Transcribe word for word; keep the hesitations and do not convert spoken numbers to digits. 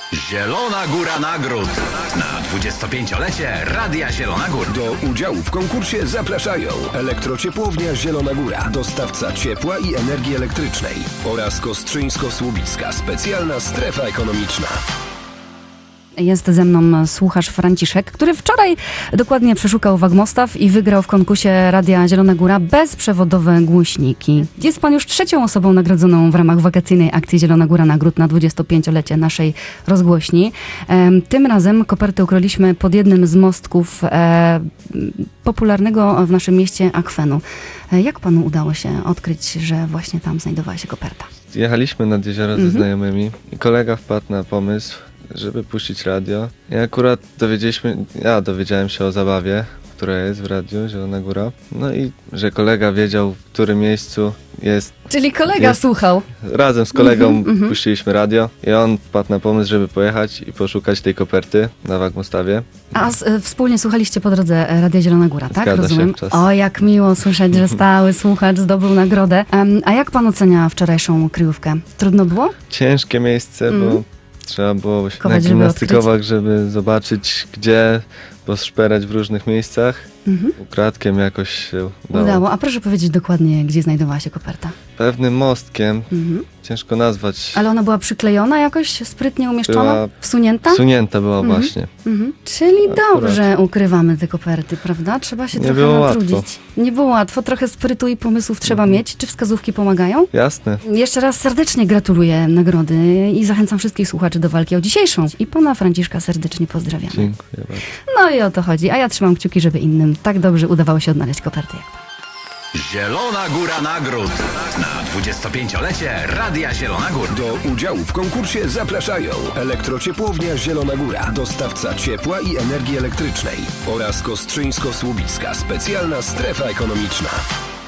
Zielona Góra Nagród na dwudziestopięciolecie Radia Zielona Góra. Do udziału w konkursie zapraszają Elektrociepłownia Zielona Góra, dostawca ciepła i energii elektrycznej oraz Kostrzyńsko-Słubicka specjalna strefa ekonomiczna. Jest ze mną słuchacz Franciszek, który wczoraj dokładnie przeszukał Wagmostaw i wygrał w konkursie Radia Zielona Góra bezprzewodowe głośniki. Jest pan już trzecią osobą nagrodzoną w ramach wakacyjnej akcji Zielona Góra Nagród na dwudziestopięciolecie naszej rozgłośni. Tym razem kopertę ukryliśmy pod jednym z mostków e, popularnego w naszym mieście akwenu. Jak panu udało się odkryć, że właśnie tam znajdowała się koperta? Jechaliśmy nad jezioro Mhm. ze znajomymi i kolega wpadł na pomysł, żeby puścić radio. I akurat dowiedzieliśmy, ja dowiedziałem się o zabawie, która jest w radiu Zielona Góra. No i że kolega wiedział, w którym miejscu jest. Czyli kolega Jest. słuchał. Razem z kolegą Mhm, mhm. puściliśmy radio i on wpadł na pomysł, żeby pojechać i poszukać tej koperty na Wagmostawie. A z, e, wspólnie słuchaliście po drodze e, Radia Zielona Góra, tak? Zgadza się, Rozumiem. czas. O, jak miło słyszeć, że stały słuchacz zdobył nagrodę. Em, a jak pan ocenia wczorajszą kryjówkę? Trudno było? Ciężkie miejsce, Mhm. bo trzeba było się Kować, żeby nagimnastykować, żeby zobaczyć gdzie, poszperać w różnych miejscach. Mhm. Ukradkiem jakoś się udało. Udało. A proszę powiedzieć dokładnie, gdzie znajdowała się koperta. Pewnym mostkiem, Mhm. ciężko nazwać. Ale ona była przyklejona jakoś, sprytnie umieszczona? Była Wsunięta? Sunięta była Mhm. właśnie. Mhm. Czyli Akurat. dobrze ukrywamy te koperty, prawda? Trzeba się Nie trochę było natrudzić. łatwo. Nie było łatwo, trochę sprytu i pomysłów trzeba Mhm. mieć. Czy wskazówki pomagają? Jasne. Jeszcze raz serdecznie gratuluję nagrody i zachęcam wszystkich słuchaczy do walki o dzisiejszą. I pana Franciszka serdecznie pozdrawiamy. Dziękuję bardzo. No i o to chodzi. A ja trzymam kciuki, żeby innym tak dobrze udawało się odnaleźć koperty jak pan. Zielona Góra Nagród na dwudziestopięciolecie Radia Zielona Góra. Do udziału w konkursie zapraszają Elektrociepłownia Zielona Góra, dostawca ciepła i energii elektrycznej oraz Kostrzyńsko-Słubicka specjalna strefa ekonomiczna.